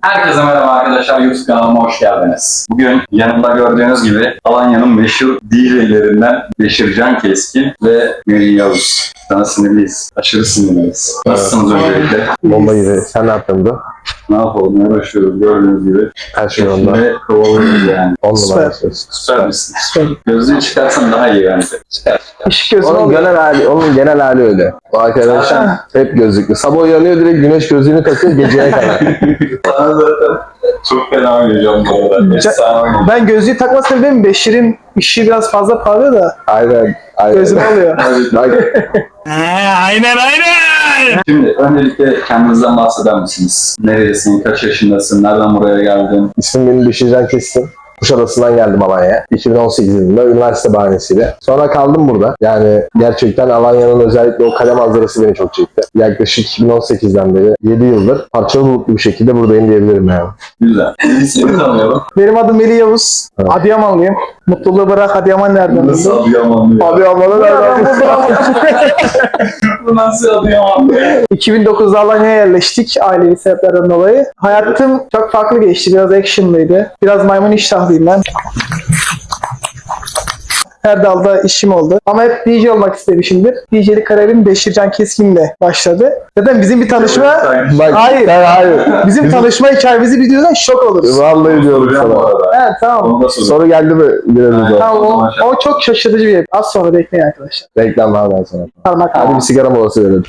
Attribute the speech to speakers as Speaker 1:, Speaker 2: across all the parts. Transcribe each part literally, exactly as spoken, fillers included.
Speaker 1: Herkese merhaba arkadaşlar, YouTube kanalıma hoş geldiniz. Bugün yanımda gördüğünüz gibi Alanya'nın meşhur D J'lerinden Beşircan Keskin ve Melih Yavuz. Sana sinirliyiz, aşırı sinirliyiz. Nasılsınız öncelikle?
Speaker 2: Bomba gibi. Sen ne yaptın bu?
Speaker 1: Ne yapalım, ne uğraşıyoruz gördüğünüz gibi.
Speaker 2: Her şey onda.
Speaker 1: Şimdi kovalıyoruz yani.
Speaker 2: On
Speaker 3: Süper.
Speaker 2: numara söz.
Speaker 1: Süper misin?
Speaker 3: Süper.
Speaker 1: Gözlüğü çıkarsan daha iyi bence. Çıkar.
Speaker 3: Işık gözü
Speaker 2: Onun
Speaker 3: oluyor.
Speaker 2: genel hali, onun genel hali öyle. O arkadaş
Speaker 1: Zaten-
Speaker 2: hep gözlüklü. Sabah uyanıyor direkt güneş gözlüğünü takıyor geceye kadar.
Speaker 1: Sana zaten çok fena oynayacağım bu arada. Efsane oynayacağım.
Speaker 3: Ben gözlüğü takmasam değil mi? Beşir'in ışığı biraz fazla parlıyor da
Speaker 2: Aynen. Aynen.
Speaker 3: gözüm oluyor.
Speaker 2: Bak,
Speaker 1: Şimdi öncelikle kendinizden bahseder misiniz? Neredesin, kaç yaşındasın, nereden buraya geldin?
Speaker 2: ismim benim Beşircan Keskin. Kuşadası'ndan geldim Alanya'ya. iki bin on sekiz yılında üniversite bahanesiyle. Sonra kaldım burada. Yani gerçekten Alanya'nın özellikle o kale manzarası beni çok çekti. Yaklaşık iki bin on sekizden beri yedi yıldır parçalı bulutlu bir şekilde buradayım diyebilirim yani.
Speaker 1: Güzel. Seni tanıyalım.
Speaker 3: Benim adım Melih Yavuz.
Speaker 2: Evet.
Speaker 3: Adıyamanlıyım. Mutluluğu bırak Adıyaman nereden
Speaker 1: Nasıl
Speaker 3: buldun?
Speaker 1: Adıyamanlı ya?
Speaker 2: Adıyaman'a nereden?
Speaker 1: Bu nasıl Adıyamanlı ya?
Speaker 3: iki bin dokuzda Alanya'ya yerleştik ailevi sebeplerden dolayı. Hayatım çok farklı geçti. Biraz actionlıydı. Biraz maymun iştahlıyım ben. Her dalda işim oldu. Ama hep D J olmak istemişimdir. D J'lik kariyerim Beşircan Keskin'le başladı. Zaten bizim bir tanışma...
Speaker 2: Bak,
Speaker 3: Hayır.
Speaker 2: sen hayır.
Speaker 3: Bizim tanışma hikayemizi biliyorsan şok oluruz.
Speaker 2: Vallahi diyorum
Speaker 1: Bu
Speaker 2: sana.
Speaker 1: arada.
Speaker 3: Evet tamam.
Speaker 1: Onu da sorayım.
Speaker 2: Soru geldi mi? Girelim o.
Speaker 3: Tamam o, o çok şaşırtıcı bir yer. Az sonra bekleyin arkadaşlar.
Speaker 2: Reklam var ben sana.
Speaker 3: Parmak
Speaker 2: Hadi bir sigara molası verelim.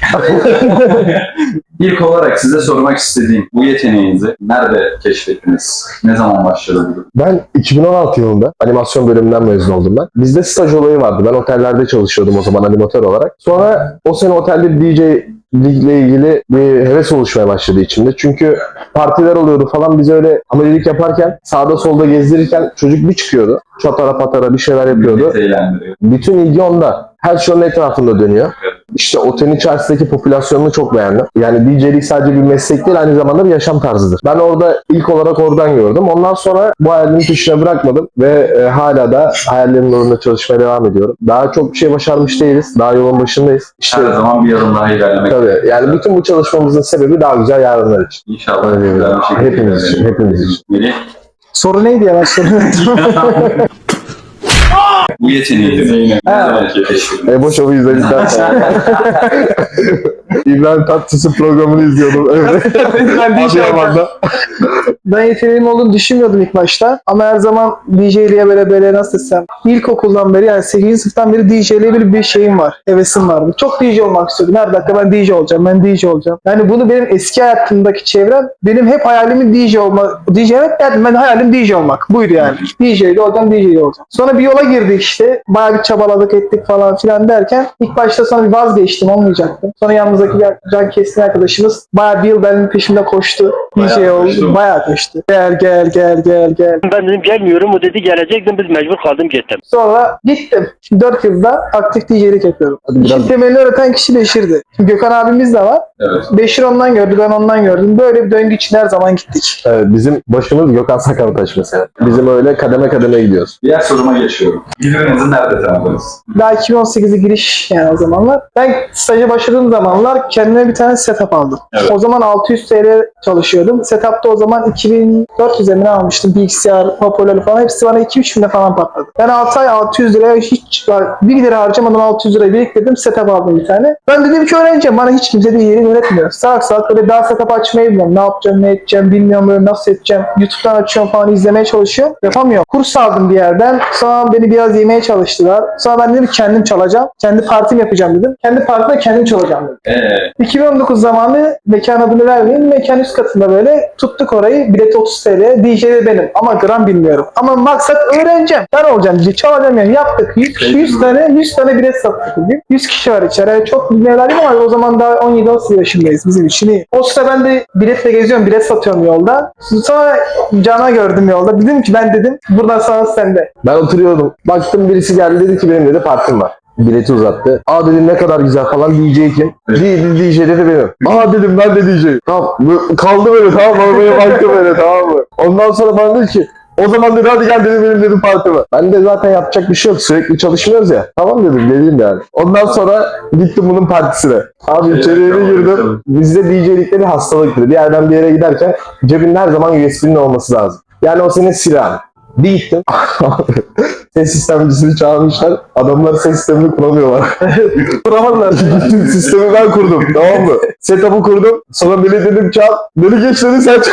Speaker 1: İlk olarak size sormak istediğim bu yeteneğinizi nerede keşfettiniz? Ne zaman başladı bu?
Speaker 2: Ben iki bin on altı yılında animasyon bölümünden mezun oldum ben. Bizde staj olayı vardı. Ben otellerde çalışıyordum o zaman animatör olarak. Sonra o sene otelde D J ile ilgili bir heves oluşmaya başladı içimde. Çünkü partiler oluyordu falan, biz öyle amelilik yaparken sağda solda gezdirirken çocuk bir çıkıyordu. Çatara patara bir şeyler yapıyordu.
Speaker 1: Milleti eğlendiriyor.
Speaker 2: Bütün ilgi onda. Her şey onun etrafında dönüyor. İşte otelin içerisindeki popülasyonunu çok beğendim. Yani D J'lik sadece bir meslek değil, aynı zamanda bir yaşam tarzıdır. Ben orada ilk olarak oradan gördüm. Ondan sonra bu hayalimin peşine bırakmadım ve e, hala da hayallerimin uğrunda çalışmaya devam ediyorum. Daha çok bir şey başarmış değiliz. Daha yolun başındayız. İşte
Speaker 1: Her zaman bir adım daha ilerlemek.
Speaker 2: tabii. Yani bütün bu çalışmamızın sebebi daha güzel yarınlar için.
Speaker 1: İnşallah
Speaker 2: Öyle
Speaker 1: güzel
Speaker 2: diyelim.
Speaker 1: bir şekilde.
Speaker 2: Hepimiz için,
Speaker 1: ilerleyelim.
Speaker 2: hepimiz için.
Speaker 1: Melih,
Speaker 3: Soru neydi ya ben soruyorum.
Speaker 1: bu yeteneğinizi ne zaman keşfettiniz?
Speaker 2: Ebo Show'u izledikten sonra. İbrahim Tatlıses'in programını izliyordum. Evet.
Speaker 3: ben D J
Speaker 2: Adıyaman'da.
Speaker 3: Ben yeteneğim olduğunu düşünmüyordum ilk başta. Ama her zaman D J'liğe böyle böyle nasıl desem. İlkokuldan beri yani sekizinci sınıftan beri D J'liğe bir, bir şeyim var. Hevesim vardı. Çok D J olmak istiyordum. Her dakika ben D J olacağım. Ben D J olacağım. Yani bunu benim eski hayatımdaki çevrem benim hep hayalimin D J olmak. D J evet derdim. Ben hayalim D J olmak. Buydu yani. D J'li olacağım, D J'li olacağım. Sonra bir yola girdik işte. Bayağı bir çabaladık ettik falan filan derken ilk başta sonra bir vazgeçtim. Olmayacaktı. Sonra yanımızdaki bir Can Keskin arkadaşımız bayağı bir yıl benim peşimde koştu. D J
Speaker 1: Bayağı
Speaker 3: oldu.
Speaker 1: koştu.
Speaker 3: Bayağı koştu. Gel gel gel gel gel.
Speaker 4: Ben dedim gelmiyorum. O dedi gelecektim. Biz mecbur kaldım gittim.
Speaker 3: Sonra gittim. dört yılda aktif D J'lik yapıyorum.
Speaker 2: Hadi biraz-
Speaker 3: İşin temelini öğreten kişi Beşir'di. Şimdi Gökhan abimiz de var.
Speaker 1: Evet.
Speaker 3: Beşir ondan gördü, ben ondan gördüm. Böyle bir döngü içinde her zaman gittik.
Speaker 2: Evet, bizim başımız Gökhan Sakartaş mesela. Bizim öyle kademe kademe gidiyoruz.
Speaker 1: Diğer soruma geçiyorum. Birbirinizi nerede tanıdınız?
Speaker 3: Daha iki bin on sekize giriş yani o zamanlar. Ben staja başladığım zamanlar kendime bir tane setup aldım.
Speaker 1: Evet.
Speaker 3: O zaman altı yüz T L çalışıyordum. Setup'ta o zaman iki bin dört yüz emine almıştım. Bilgisayar, hoparlörü falan. Hepsi bana iki üç binde falan patladı. Ben altı ay altı yüz liraya hiç bir lira harcamadan altı yüz lirayı biriktirdim. Setup aldım bir tane. Ben dedim ki öğreneceğim. Bana hiç kimse de yeri öğretmiyor. Salak salak böyle daha setup açmayı bilmiyorum. Ne yapacağım, ne edeceğim bilmiyorum. Böyle nasıl edeceğim. YouTube'dan açıyorum falan izlemeye çalışıyorum. Yapamıyorum. Kurs aldım bir yerden. Sonra beni biraz yemeye çalıştılar. Sonra ben dedim kendim çalacağım. Kendi partim yapacağım dedim. Kendi partime kendim çalacağım dedim.
Speaker 1: Eee
Speaker 3: iki bin on dokuz zamanı mekan adını vermeyeyim. Mekan üst katında böyle tuttuk orayı. Bilet otuz T L. D J'de benim. Ama gram bilmiyorum. Ama maksat öğreneceğim. Ben olacağım. D J çalacağım yani. Yaptık. yüz, yüz tane yüz tane bilet sattık bugün. yüz kişi var içeri. Yani çok bilmeyelim ama o zaman daha on yedi on sekiz yaşındayız. Bizim için iyi. O sırada ben de biletle geziyorum. Bilet satıyorum yolda. Sonra Can'a gördüm yolda. Dedim ki ben dedim buradan sonra sende.
Speaker 2: Ben oturuyordum. Baktım birisi geldi dedi ki benim dedi partim var. Bileti uzattı. Aa dedim ne kadar güzel falan. D J kim? D- D J dedi benim. Aa dedim ben de D J. Tamam. Bu- Kaldı böyle tamam mı? Böyle baktım böyle tamam mı? Ondan sonra bana dedi ki O zaman dedi hadi gel dedi benim dedim partime. Ben de zaten yapacak bir şey yok. Sürekli çalışmıyoruz ya. Tamam dedim geleyim yani. Ondan sonra gittim bunun partisine. Abi içeriye bir girdim. Bizde D J'likte bir hastalıktır. Bir yerden bir yere giderken cebinde her zaman U S B'nin olması lazım. Yani o senin silahın. Bir gittim. Ses sistemcisini çağırmışlar. Adamlar ses sistemini kuramıyorlar.
Speaker 3: Kuramadılar.
Speaker 2: Bütün sistemi ben kurdum. Tamam mı? Setup'ı kurdum. Sonra beni dedim çal. Beni geç dedi sen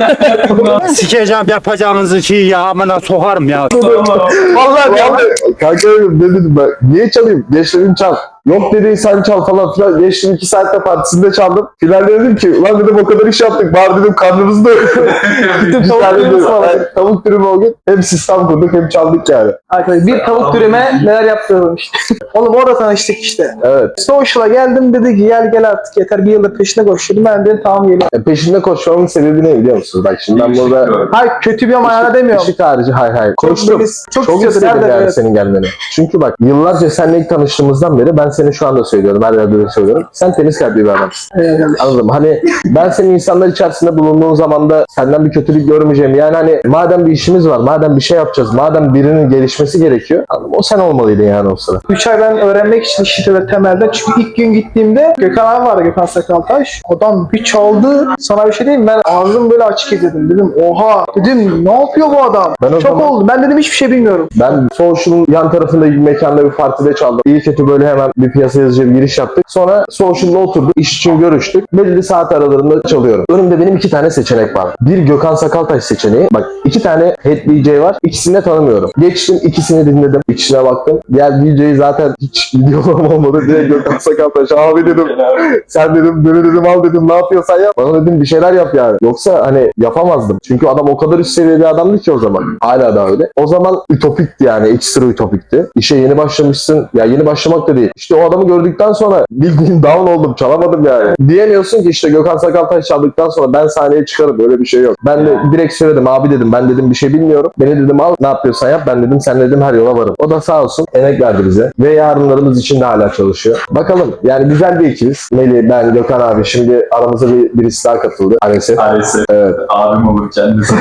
Speaker 2: çal.
Speaker 5: Sikeceğim yapacağınızı şey ya amına sokarım ya.
Speaker 2: Vallahi ya. Kanka dedim, ne dedim ben? Niye çalayım? Geç dedim çal. Yok dedi sen çal falan filan. Geçtim iki saatte partisinde çaldım. Finalde dedim ki ulan dedim o kadar iş yaptık. Bari dedim karnımızda. Gittim
Speaker 3: tavuk dürüm ısmarladık.
Speaker 2: Yani, tavuk dürümü o gün hem sistem kurduk hem çaldık yani.
Speaker 3: Arkadaşlar bir tavuk dürüme neler yaptırdım işte. Oğlum orada tanıştık işte.
Speaker 2: Evet.
Speaker 3: Social'a geldim dedi ki gel gel artık yeter bir yıldır peşine koşuyordum. Ben dedim tamam geliyorum.
Speaker 2: E, peşinde koşmamın sebebi ne biliyor musunuz? Bak şimdi ben burada
Speaker 3: Hayır kötü bir manada demiyorum.
Speaker 2: ışık harici hayır hayır. Koştum.
Speaker 3: böyle-
Speaker 2: Çok,
Speaker 3: çok
Speaker 2: istedim
Speaker 3: istedim,
Speaker 2: yani
Speaker 3: evet.
Speaker 2: senin gelmeni. Çünkü bak yıllarca seninle ilk tanıştığımızdan beri ben seni şu anda söylüyorum. Her yerde de söylüyorum. Sen temiz kalpli bir adamsın.
Speaker 3: Evet, evet.
Speaker 2: Anladım. Hani ben senin insanlar içerisinde bulunduğun zaman da senden bir kötülük görmeyeceğim. Yani hani madem bir işimiz var, madem bir şey yapacağız, madem birinin gelişmesi gerekiyor. Anladım. O sen olmalıydın yani o sırada.
Speaker 3: üç ay ben öğrenmek için işte ve temelde. Çünkü ilk gün gittiğimde Gökhan abi vardı, Gökhan Sakaltaş. Adam bir çaldı. Sana bir şey diyeyim mi? Ben ağzım böyle açık izledim. Dedim oha. Dedim ne yapıyor bu adam?
Speaker 2: Ben o
Speaker 3: Çok
Speaker 2: zaman-
Speaker 3: oldu. Ben dedim hiçbir şey bilmiyorum.
Speaker 2: Ben Social'ın yan tarafında bir mekanda bir partide çaldım. İyi kötü böyle hemen bir piyasa yazıcı bir giriş yaptık. Sonra Social'la oturduk. İş için görüştük. Belirli saat aralarında çalıyorum. Önümde benim iki tane seçenek var. Bir Gökhan Sakaltaş seçeneği. Bak iki tane head D J var. İkisini de tanımıyorum. Geçtim ikisini dinledim. İçine baktım. Diğer D J'yi zaten hiç videolarım olmadı. Direkt Gökhan Sakaltaş. Abi dedim. Sen dedim beni dedim al dedim ne yapıyorsan yap. Bana dedim bir şeyler yap yani. Yoksa hani yapamazdım. Çünkü adam o kadar üst seviye bir adamdı ki o zaman. Hala da öyle. O zaman ütopikti yani. Ekstra ütopikti. İşe yeni başlamışsın. Ya yeni başlamak da değil. İşte o adamı gördükten sonra bildiğin down oldum. Çalamadım yani. Diyemiyorsun ki işte Gökhan Sakaltaş çaldıktan sonra ben sahneye çıkarım. Böyle bir şey yok. Ben de direkt söyledim. Abi dedim ben dedim bir şey bilmiyorum. Beni dedim al ne yapıyorsan yap. Ben dedim sen dedim her yola varım. O da sağ olsun emek verdi bize. Ve yarınlarımız için de hala çalışıyor. Bakalım yani güzel bir ekibiz. Melih, ben, Gökhan abi. Şimdi aramıza bir, birisi daha katıldı. Maalesef.
Speaker 1: Maalesef
Speaker 2: Evet.
Speaker 1: abim olur kendisi.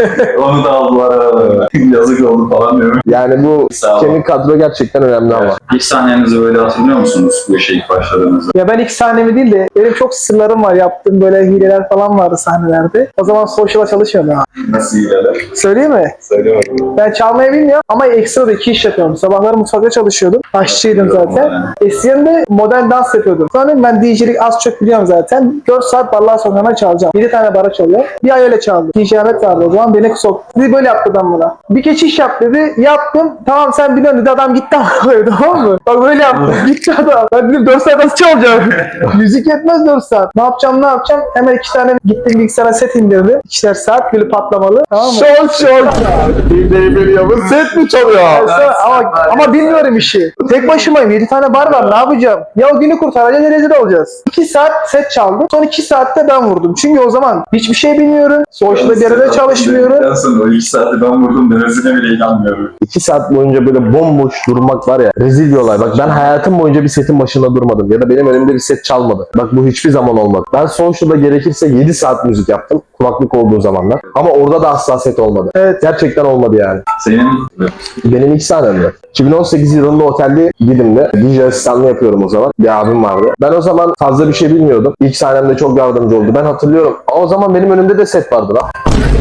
Speaker 1: Onu da aldılar aralarına. Yazık oldu falan diyorum.
Speaker 2: Yani bu
Speaker 1: Sağ ol.
Speaker 2: kemik kadro gerçekten önemli ama.
Speaker 1: İlk sahnenizi böyle hatırlıyor musunuz bu işe ilk başladığınızda?
Speaker 3: Ya ben ilk sahnemi değil de benim çok sırlarım var. Yaptığım böyle hileler falan vardı sahnelerde. O zaman Social'a çalışıyordum. ha.
Speaker 1: Nasıl ilerler?
Speaker 3: Söyleyeyim mi?
Speaker 1: Söyle bakayım.
Speaker 3: Ben çalmayı bilmiyorum ama ekstra da iki iş yapıyorum. Sabahları mutfakta çalışıyordum. Aşçıydım zaten. Eskiden de modern dans yapıyordum. Sonra ben D J'lik az çok biliyorum zaten. dört saat barlar sokağına çalacağım. yedi tane bara çalıyor. Bir ay öyle çaldım. D J Ahmet vardı o zaman. Beni soktu. Dedi böyle yaptı adam bana. Bir geçiş yap dedi. Yaptım. Tamam sen biliyorsun dedi. Adam gitti ama tamam mı? Bak böyle yaptım. Gitti adam. Ben dedim dört saat nasıl çalacağım? Müzik yetmez dört saat. Ne yapacağım ne yapacağım? Hemen iki tane gittim bilgisayara set indirdim. İkişer saat böyle patlamalı. Tamam mı?
Speaker 2: Şok şok. Bir de biliyor mu? Set mi çalıyor?
Speaker 3: Sonra- ama, ama bilmiyorum işi. Tek başımayım. yedi tane bar var. Ne yapacağım? Ya o günü kurtaracağız ya rezil olacağız. iki saat set çaldım. Son iki saatte ben vurdum. Çünkü o zaman hiçbir şey bilmiyorum. Sonuçta bir yerde çalışmıyorum.
Speaker 1: Ben sonra o iki saati ben vurdum demesine bile inanmıyorum.
Speaker 2: İki saat boyunca böyle bomboş durmak var ya rezil bir olay. Bak ben hayatım boyunca bir setin başında durmadım. Ya da benim önümde bir set çalmadı. Bak bu hiçbir zaman olmadı. Ben Social'da gerekirse yedi saat müzik yaptım. Kulaklık olduğu zamanlar. Ama orada da asla set olmadı.
Speaker 3: Evet.
Speaker 2: Gerçekten olmadı yani.
Speaker 1: Senin
Speaker 2: Benim ilk sahnemde. iki bin on sekiz yılında otelde Didim'de D J asistanlığı yapıyorum o zaman. Bir abim vardı. Ben o zaman fazla bir şey bilmiyordum. İlk sahnemde çok yardımcı oldu. Ben hatırlıyorum. O zaman benim önümde de set vardı lan.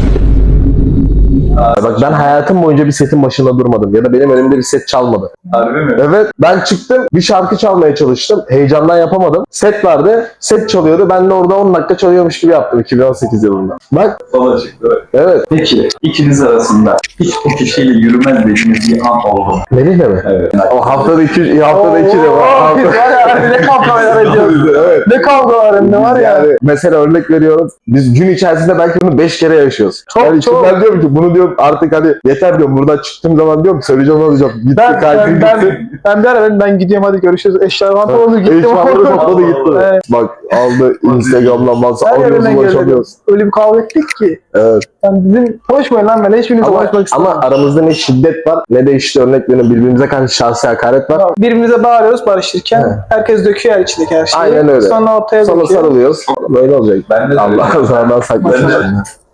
Speaker 2: Bak ben hayatım boyunca bir setin başında durmadım. Ya da benim önümde bir set çalmadı.
Speaker 1: harbi mi?
Speaker 2: Evet ben çıktım bir şarkı çalmaya çalıştım. Heyecandan yapamadım. Set vardı. Set çalıyordu. Ben de orada on dakika çalıyormuş gibi yaptım iki bin on sekiz yılında. Bak
Speaker 1: Sola çıktı.
Speaker 2: evet.
Speaker 1: Peki ikiniz arasında hiç bu kişiyle yürümez dediğiniz bir an oldu mu?
Speaker 2: Melih'le mi?
Speaker 1: Evet.
Speaker 2: O haftada iki, haftada iki de var.
Speaker 3: Oo, biz var ya ne kavgalar ediyoruz.
Speaker 2: Evet.
Speaker 3: Ne kavgalar hem de var ya.
Speaker 2: Yani mesela örnek veriyorum. Biz gün içerisinde belki bunu beş kere yaşıyoruz.
Speaker 3: Çok,
Speaker 2: yani
Speaker 3: çok.
Speaker 2: Ben diyorum ki bunu diyorum artık hani yeter diyorum. Buradan çıktığım zaman diyorum ki söyleyeceğim olacağım. Gitti
Speaker 3: Ben,
Speaker 2: kalbim
Speaker 3: ben,
Speaker 2: gitti.
Speaker 3: ben, ben bir ara ben, ben gidiyorum hadi görüşürüz. Eşyalar pantolonu gittim.
Speaker 2: Eşyaları topladı gitti.
Speaker 3: Evet.
Speaker 2: Bak aldı Instagram'dan bazı
Speaker 3: Her
Speaker 2: alıyoruz
Speaker 3: yerinden
Speaker 2: ulaşamıyoruz.
Speaker 3: Öyle bir kavga ettik ki.
Speaker 2: Evet.
Speaker 3: Yani dedim konuşmayın lan ben hiçbiriniz
Speaker 2: Ama,
Speaker 3: konuşmak istemiyorum.
Speaker 2: ama aramızda ne şiddet var ne de işte örnek veriyorum birbirimize karşı şahsi hakaret var.
Speaker 3: Birbirimize bağırıyoruz barışırken
Speaker 2: He.
Speaker 3: herkes döküyor her içindeki her şeyi.
Speaker 2: Aynen öyle.
Speaker 3: Sonra ortaya
Speaker 2: Sonra
Speaker 3: döküyor.
Speaker 2: sarılıyoruz. Böyle olacak.
Speaker 1: Ben de
Speaker 2: Allah zarardan saklasın.
Speaker 1: Ben de-
Speaker 2: şimdi.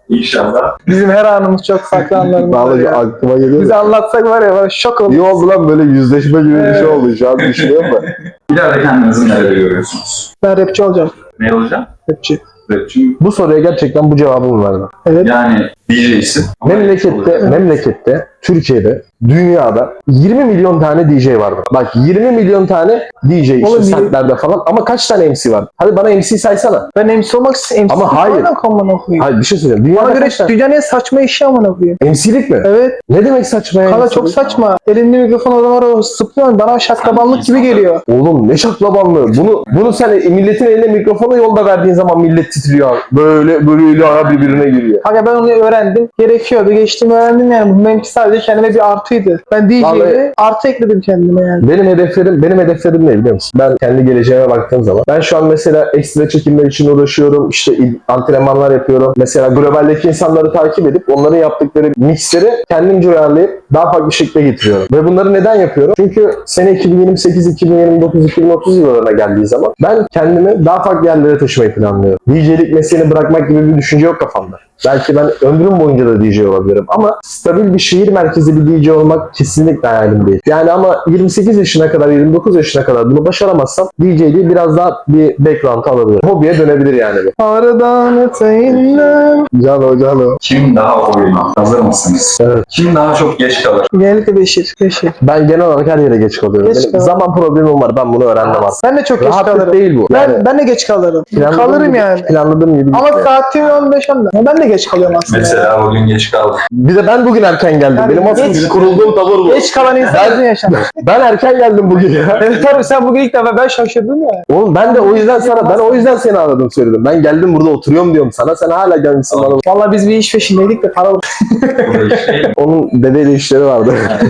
Speaker 1: İnşallah.
Speaker 3: Bizim her anımız çok farklı anlarımız var
Speaker 2: Vallahi
Speaker 3: ya.
Speaker 2: aklıma geliyor.
Speaker 3: Bize anlatsak var ya var şok olur.
Speaker 2: İyi oldu lan, böyle yüzleşme gibi bir şey oldu şu an düşünüyorum da.
Speaker 1: İleride kendinizi nerede görüyorsunuz?
Speaker 3: Ben rapçi olacağım.
Speaker 1: Ne olacağım?
Speaker 3: Rapçi.
Speaker 1: Rapçi.
Speaker 2: Bu soruya gerçekten bu cevabımı verdim.
Speaker 3: Evet.
Speaker 1: Yani D J'sin.
Speaker 2: Memlekette, memlekette, Türkiye'de, dünyada yirmi milyon tane D J vardı. Bak yirmi milyon tane D J işte
Speaker 3: Oğlum,
Speaker 2: setlerde falan, ama kaç tane M C var? Hadi bana M C saysana.
Speaker 3: Ben M C olmak istiyorum.
Speaker 2: Ama hayır.
Speaker 3: Amına koyayım.
Speaker 2: Hayır bir şey söyleyeyim.
Speaker 3: Bana
Speaker 2: Dünyada
Speaker 3: göre
Speaker 2: kaç tane?
Speaker 3: dünyanın en saçma işi amına koyayım.
Speaker 2: M C'lik mi?
Speaker 3: Evet.
Speaker 2: Ne demek saçma ya?
Speaker 3: Kanka çok saçma. Elinde mikrofon o zaman o sıplıyor. Bana şaklabanlık gibi geliyor.
Speaker 2: Oğlum ne şaklabanlığı. Bunu bunu sen milletin eline mikrofonu yolda verdiğin zaman millet titriyor. Böyle böyle eli ayağı birbirine giriyor.
Speaker 3: Kanka ben onu öğrendim. Gerekiyordu. Geçtim öğrendim yani. Bu benimki sadece kendime bir artıydı. Ben D J'ye
Speaker 2: Vallahi-
Speaker 3: artı ekledim kendime yani.
Speaker 2: Benim hedeflerim, benim hedeflerim ne biliyor musun? Ben kendi geleceğime baktığım zaman. Ben şu an mesela ekstra çekimler için uğraşıyorum. İşte antrenmanlar yapıyorum. Mesela globaldeki insanları takip edip onların yaptıkları mixleri kendimce uyarlayıp daha farklı şekle getiriyorum. Ve bunları neden yapıyorum? Çünkü sene iki bin yirmi sekiz, iki bin yirmi dokuz, iki bin otuz yıllarına geldiği zaman ben kendimi daha farklı yerlere taşımayı planlıyorum. D J'lik mesleğini bırakmak gibi bir düşünce yok kafamda. Belki ben ömrüm boyunca da D J olabilirim ama stabil bir şehir merkezi bir D J olmak kesinlikle hayalim değil. Yani ama yirmi sekiz yaşına kadar, yirmi dokuz yaşına kadar bunu başaramazsam D J'liği biraz daha bir background alabilir. Hobiye dönebilir yani bu.
Speaker 3: Aradan öteyinden.
Speaker 2: Cano cano.
Speaker 1: Kim daha oyuna? Hazır mısınız?
Speaker 2: Evet.
Speaker 1: Kim daha çok geç kalır?
Speaker 3: Genellikle Beşir. Beşir.
Speaker 2: Ben genel olarak her yere geç kalıyorum.
Speaker 3: Geç
Speaker 2: Benim
Speaker 3: kal-
Speaker 2: zaman problemim var. Ben bunu öğrendim aslında.
Speaker 3: Ben de çok geç
Speaker 2: Rahatlık
Speaker 3: kalırım.
Speaker 2: değil bu.
Speaker 3: Ben,
Speaker 2: Yani
Speaker 3: ben de geç kalırım.
Speaker 2: planladığım
Speaker 3: Kalırım
Speaker 2: gibi-
Speaker 3: yani.
Speaker 2: Planladığım gibi.
Speaker 3: Ama
Speaker 2: gitmiyor.
Speaker 3: saatim on beş on. Ben de geç kalıyorum aslında.
Speaker 1: Mesela bugün geç kaldı.
Speaker 2: Bir de ben bugün erken geldim.
Speaker 3: Yani
Speaker 2: Benim aslında
Speaker 3: geç-
Speaker 2: kurulduğum tavır bu.
Speaker 3: Geç kalan insan uzun yaşanır.
Speaker 2: Ben erken geldim bugün ya.
Speaker 3: Evet tabii sen bugün ilk defa ben şaşırdım ya.
Speaker 2: Oğlum ben de o yüzden sana, ben o yüzden seni aradım söyledim. Ben geldim burada oturuyorum diyorum sana. Sen hala gelmişsin bana.
Speaker 3: Vallahi biz bir iş peşindeydik de para
Speaker 1: Burada işte.
Speaker 2: Onun dedeyle işleri vardı.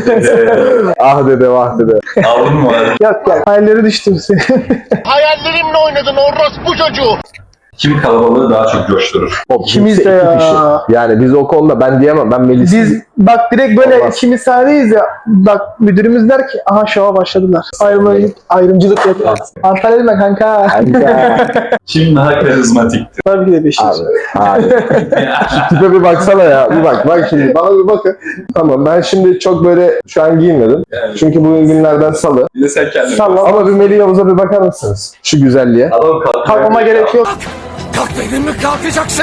Speaker 2: Ah dede vah dede.
Speaker 1: Aldın mı abi?
Speaker 3: yok yok. Hayalleri düştüm seni.
Speaker 6: Hayallerimle oynadın orospu çocuğu.
Speaker 1: Kim kalabalığı daha çok coşturur?
Speaker 2: O
Speaker 3: İkimiz
Speaker 2: kimse
Speaker 3: de
Speaker 2: iki
Speaker 3: ya.
Speaker 2: kişi. Yani biz o konuda ben diyemem. Ben Melis'i...
Speaker 3: Biz bak direkt böyle
Speaker 2: Olmaz.
Speaker 3: ikimiz sahnedeyiz ya. Bak müdürümüz der ki aha şova başladılar. Ayrımcılık, ayrımcılık yapıyor. Antalya dedim ben kanka.
Speaker 1: Kim daha karizmatiktir?
Speaker 3: Tabii ki de Beşir.
Speaker 2: Abi, abi. Şu tipe bir baksana ya. Bir bak, bak şimdi. Bana bir bakın. Tamam, ben şimdi çok böyle şu an giyinmedim.
Speaker 1: Yani.
Speaker 2: Çünkü bugün günlerden salı.
Speaker 1: Bir de sen kendin.
Speaker 3: Tamam.
Speaker 2: Ama bir Melih Yavuz'a bir bakar mısınız? Şu güzelliğe.
Speaker 1: Adam kalkıyor.
Speaker 3: Kalkmama gerek yok.
Speaker 6: Kalk dedim mi kalkacaksın.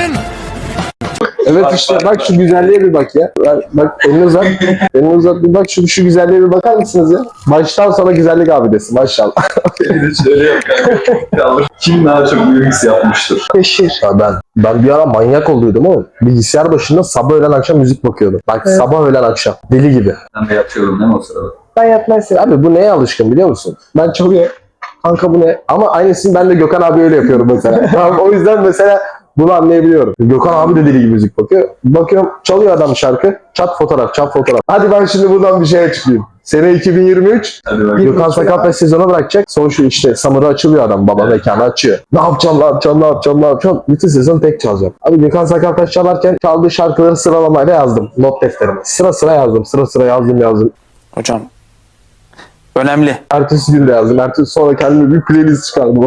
Speaker 2: Evet işte bak şu güzelliğe bir bak ya. Bak, bak elini uzat. Elini uzat bir bak şu, şu güzelliğe bir bakar mısınız ya? Baştan sona güzellik abidesi maşallah.
Speaker 1: Bir de şöyle yap kanka. Kalır. Kim daha çok remix yapmıştır?
Speaker 3: Beşir.
Speaker 2: Ya ben ben bir ara manyak olduydum oğlum. Bilgisayar başında sabah öğlen akşam müzik bakıyordum. Bak
Speaker 3: Evet.
Speaker 2: sabah öğlen akşam. Deli gibi.
Speaker 1: Ben de yapıyorum değil mi o sırada?
Speaker 3: Ben yatmazsın.
Speaker 2: Abi bu neye alışkın biliyor musun? Ben çalıyor. Kanka bu ne? Ama aynısını ben de Gökhan abi öyle yapıyorum mesela. Tamam, o yüzden mesela bunu anlayabiliyorum. Gökhan abi de deli gibi müzik bakıyor. Bakıyorum çalıyor adam şarkı. Çat fotoğraf, çat fotoğraf. Hadi ben şimdi buradan bir şey açıklayayım. Sene iki bin yirmi üç.
Speaker 1: Hadi bak.
Speaker 2: Gökhan Sakat sezonu bırakacak. Son şu işte Summer'ı açılıyor adam. Baba mekanı açıyor. Ne yapacağım, ne yapacağım, ne yapacağım, ne yapacağım. Bütün sezon tek çalacağım. Abi Gökhan Sakat çalarken çaldığı şarkıları sıralamayla yazdım. Not defterime. Sıra sıra yazdım. Sıra sıra yazdım yazdım.
Speaker 7: Hocam önemli.
Speaker 2: Ertesi gün de yazdım. Ertesi sonra kendime bir playlist çıkardım.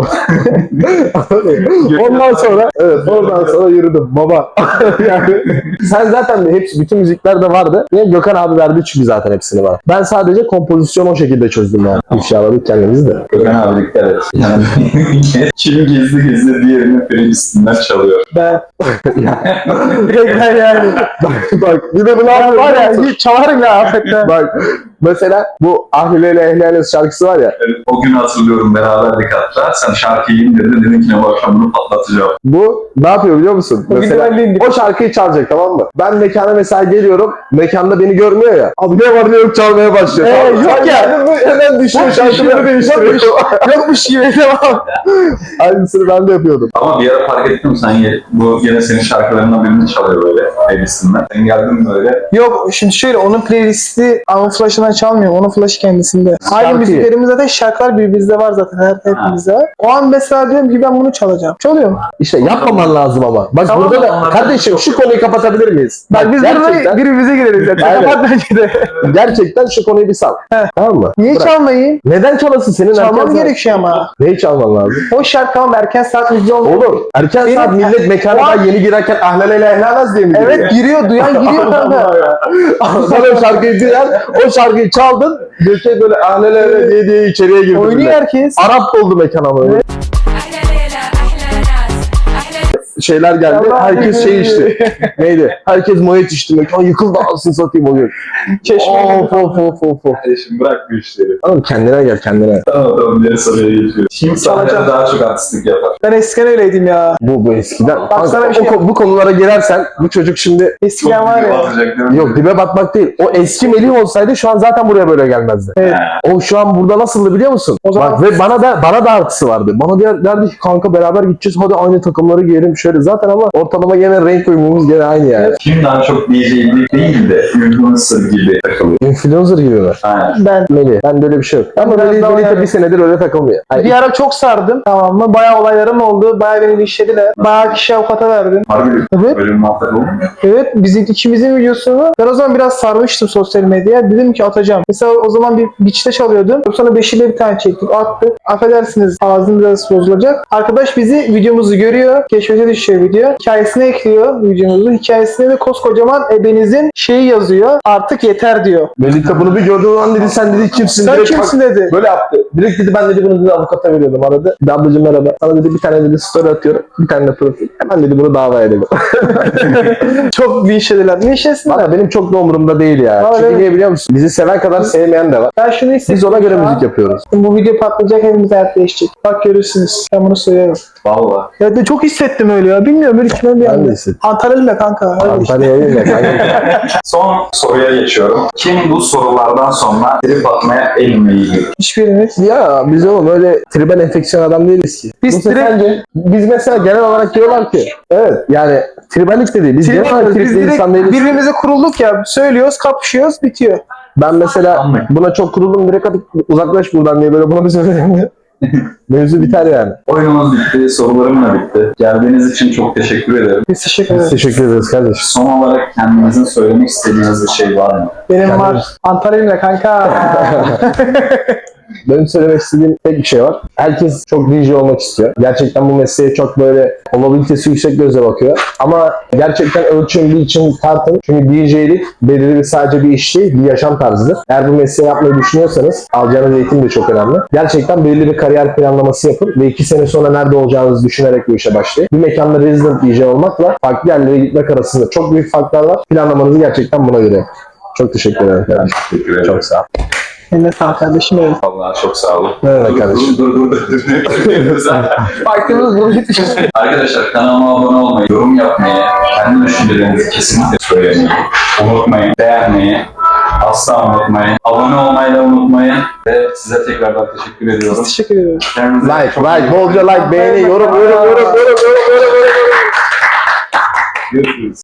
Speaker 2: Ondan sonra evet oradan sonra yürüdüm baba. Yani sen zaten hepsi bütün müziklerde vardı. Niye Gökhan abi verdi çünkü zaten hepsini bana. Ben sadece kompozisyonu o şekilde çözdüm yani. İnşallah kendimiz de.
Speaker 1: Gökhan abi dikkat et. Yani kim gizli gizli diğerinin playlistinden çalıyor.
Speaker 3: Ben. Direkt ben yani.
Speaker 2: Bak bir de bunu
Speaker 3: Ben var ya
Speaker 2: yapıyorum.
Speaker 3: hiç çalarım ya affetme.
Speaker 2: Bak mesela bu Ahlileyle Ehlileyle şarkısı var ya.
Speaker 1: Evet, o günü hatırlıyorum beraberdik hatta. Sen şarkıyı indirdin dedin ki ne bu akşam bunu patlatacağım.
Speaker 2: Bu ne yapıyor biliyor musun?
Speaker 3: O
Speaker 2: Mesela
Speaker 3: güzel değil.
Speaker 2: o şarkıyı çalacak tamam mı? Ben mekana mesela geliyorum. Mekanda beni görmüyor ya. Abi ne var ne yok çalmaya başlıyor.
Speaker 3: Ee,
Speaker 2: Tamam mı?
Speaker 3: yok ya.
Speaker 2: Hemen- Hemen düşüyor şarkıları değiştiriyor.
Speaker 3: Yokmuş gibi devam.
Speaker 2: Aynısını ben de yapıyordum.
Speaker 1: Ama bir ara fark ettim sen ye- bu gene senin şarkılarından birini çalıyor böyle playlistinden. Sen geldin böyle.
Speaker 3: Yok şimdi şöyle onun playlisti Unflash'ından çalmıyorum. Onun flash'ı kendisinde. Aynı
Speaker 2: Şarkıyı.
Speaker 3: müziklerimiz zaten şarkılar birbirimizde var zaten. Her hepimizde var. O an mesela diyorum ki ben bunu çalacağım. Çalıyorum.
Speaker 2: İşte yapmaman lazım ama. Bak
Speaker 3: Tamam,
Speaker 2: burada da
Speaker 1: onlardan
Speaker 2: kardeşim
Speaker 1: çok-
Speaker 2: şu konuyu kapatabilir miyiz?
Speaker 3: Bak biz
Speaker 2: gerçekten,
Speaker 3: burada birbirimize gireriz zaten.
Speaker 2: Aynen.
Speaker 3: Kapat bence de.
Speaker 2: gerçekten şu konuyu bir sal.
Speaker 3: Heh.
Speaker 2: Tamam mı?
Speaker 3: Niye
Speaker 2: Bırak.
Speaker 3: çalmayayım?
Speaker 2: Neden çalasın senin
Speaker 3: Çalmam
Speaker 2: erken saat-
Speaker 3: gerekiyor ama.
Speaker 2: Neyi çalman lazım?
Speaker 3: O şarkı ama erken saat müziği olmuyor.
Speaker 2: Oğlum erken
Speaker 3: Benim-
Speaker 2: saat millet mekana
Speaker 3: O an-
Speaker 2: daha yeni girerken ahlaleyle ehlalaz diye mi giriyor?
Speaker 3: Evet giriyor. Duyan giriyor kanka.
Speaker 2: Sen o şarkıyı duyan, o şarkıyı çaldın, göçe böyle ahlaleyle diye diye içeriye girdin.
Speaker 3: Oynuyor
Speaker 2: millet.
Speaker 3: herkes.
Speaker 2: Arap oldu mekan ama öyle.
Speaker 8: أحلى ليلة أحلى ناس أحلى
Speaker 2: Şeyler geldi,
Speaker 3: Allah
Speaker 2: herkes şey
Speaker 3: bilir.
Speaker 2: içti. Neydi? Herkes mojet içti, mekan yıkıldı alsın satayım o gün.
Speaker 3: Çeşme.
Speaker 2: Of of of of of.
Speaker 1: Kardeşim bırak bu işleri.
Speaker 2: Oğlum kendine gel kendine.
Speaker 1: Tamam tamam diğer soruya geçiyorum. Kim sahnede
Speaker 3: Çalacağım.
Speaker 1: daha çok artistlik yapar?
Speaker 3: Ben eskiden öyleydim ya.
Speaker 2: Bu bu eskiden.
Speaker 3: Bak sana
Speaker 2: Kanka,
Speaker 3: bir şey-
Speaker 2: o ko- bu konulara girersen bu çocuk şimdi
Speaker 3: Eskiden var
Speaker 1: büyük
Speaker 3: ya.
Speaker 1: atacak değil mi?
Speaker 2: yok dibe batmak değil. O eski Melih olsaydı şu an zaten buraya böyle gelmezdi.
Speaker 3: Evet.
Speaker 2: O şu an burada nasıldı biliyor musun?
Speaker 3: O zaman-
Speaker 2: Bak ve bana da bana da artısı vardı. Bana der, derdi ki kanka beraber gideceğiz hadi aynı takımları giyelim şöyle. Zaten ama ortalama gene renk uyumumuz gene aynı yani.
Speaker 1: Kim daha çok D J'lik değil de influencer gibi takılıyor?
Speaker 2: Influencer gibi mi?
Speaker 1: Aynen.
Speaker 3: Ben
Speaker 2: Melih. Ben böyle bir şey yok. Ama
Speaker 3: Biraz
Speaker 2: Melih,
Speaker 3: daha
Speaker 2: Melih de
Speaker 3: yani.
Speaker 2: bir senedir öyle takılmıyor. Yani
Speaker 3: bir ara çok sardım. Tamam mı? Bayağı olaylarım oldu. Bayağı beni işlediler. Bayağı kişi avukata verdim.
Speaker 1: Harbi
Speaker 3: Evet.
Speaker 1: böyle bir muhabbet olur mu?
Speaker 3: Evet. Bizim ikimizin videosunu ben o zaman biraz sarmıştım sosyal medyaya. Dedim ki atacağım. Mesela o zaman bir beach'te çalıyordum. Sonra Beşik'le bir tane çektik. Attık. Affedersiniz ağzım biraz bozulacak. Arkadaş bizi videomuzu görüyor. Keşfete düşüyor video. Hikayesine ekliyor videomuzu. Hikayesine de koskocaman ebenizin şeyi yazıyor. Artık yeter diyor.
Speaker 2: Melih de bunu bir gördüğü an dedi sen dedi kimsin?
Speaker 3: Sen
Speaker 2: Direkt
Speaker 3: kimsin dedi.
Speaker 2: böyle yaptı. Direkt dedi ben dedi bunu dedi avukata veriyordum aradı. Dedi ablacım merhaba. Sana dedi bir tane dedi story atıyorum. Bir tane de profil. Hemen dedi bunu davaya dedi.
Speaker 3: Çok linçlediler. Linçlesinler.
Speaker 2: Valla benim çok da umurumda değil ya.
Speaker 3: Aa,
Speaker 2: Çünkü
Speaker 3: evet.
Speaker 2: niye biliyor musun? Bizi seven kadar sevmeyen de var.
Speaker 3: Ben şunu hissettim.
Speaker 2: Biz ona göre
Speaker 3: şu an.
Speaker 2: müzik yapıyoruz.
Speaker 3: Bu video patlayacak, hepimiz hayat değişecek. Bak görürsünüz. Ben bunu söylüyorum.
Speaker 1: Valla.
Speaker 3: Ya de çok hissettim öyle ya. Bilmiyorum böyle içimden bir
Speaker 2: Ben de
Speaker 3: anda.
Speaker 2: hissettim.
Speaker 3: Antalya'yla kanka. Öyle işte.
Speaker 2: Antalya'ya değil de kanka.
Speaker 1: Son soruya geçiyorum. Kim bu sorulardan sonra trip atmaya en meyilli?
Speaker 3: Hiçbirimiz.
Speaker 2: Ya biz oğlum öyle triben enfeksiyon adam değiliz ki.
Speaker 3: Biz
Speaker 2: Bu
Speaker 3: trip-
Speaker 2: sence biz mesela genel olarak diyorlar ki evet yani tribenlik de değil. Biz genel olarak
Speaker 3: Biz
Speaker 2: tripli
Speaker 3: direkt
Speaker 2: insan değiliz.
Speaker 3: birbirimize kurulduk ya. Söylüyoruz, kapışıyoruz, bitiyor.
Speaker 2: Ben mesela
Speaker 1: Anladım.
Speaker 2: buna çok kuruldum direkt hadi uzaklaş buradan diye böyle buna bir söyleyeyim. Mevzu biter yani.
Speaker 1: Oyunumuz bitti, sorularım da bitti. Geldiğiniz için çok teşekkür ederim.
Speaker 3: Biz teşekkür
Speaker 2: Biz
Speaker 3: ederiz.
Speaker 2: teşekkür ederiz kardeşim.
Speaker 1: Son olarak kendinizin söylemek istediğiniz bir şey var mı?
Speaker 3: Benim
Speaker 2: Kendimiz-
Speaker 3: var. Antalya'yla kanka.
Speaker 2: Benim söylemek istediğim tek bir şey var. Herkes çok D J olmak istiyor. Gerçekten bu mesleğe çok böyle olabilitesi yüksek gözle bakıyor. Ama gerçekten ölçün bir için tartın. Çünkü D J'lik belirli bir sadece bir iş değil, bir yaşam tarzıdır. Eğer bu mesleği yapmayı düşünüyorsanız alacağınız eğitim de çok önemli. Gerçekten belirli bir kariyer planlaması yapın ve iki sene sonra nerede olacağınızı düşünerek bu işe başlayın. Bir mekanda resident D J olmakla farklı yerlere gitmek arasında çok büyük farklar var. Planlamanızı gerçekten buna göre yapın. Çok teşekkür ederim kardeşim.
Speaker 1: Teşekkür ederim.
Speaker 2: Çok sağ ol.
Speaker 3: Eline sağlık kardeşim benim.
Speaker 1: Vallahi çok sağ olun.
Speaker 2: Ne demek kardeşim?
Speaker 1: Dur dur dur dur. dur.
Speaker 3: Baktığımız bunu bitmiş.
Speaker 1: Arkadaşlar kanalıma abone olmayı, yorum yapmayı, kendi düşüncelerinizi kesinlikle söylemeyi, unutmayın, beğenmeyi, asla unutmayın, abone olmayı da unutmayın ve size tekrardan teşekkür ediyorum.
Speaker 3: Teşekkür ederim.
Speaker 1: Kendinize
Speaker 2: Like,
Speaker 1: çok iyi
Speaker 2: like,
Speaker 1: bakın.
Speaker 2: bolca like, beğeni, yorum, yorum, yorum, yorum, yorum, yorum, yorum, yorum.
Speaker 1: Görüşürüz.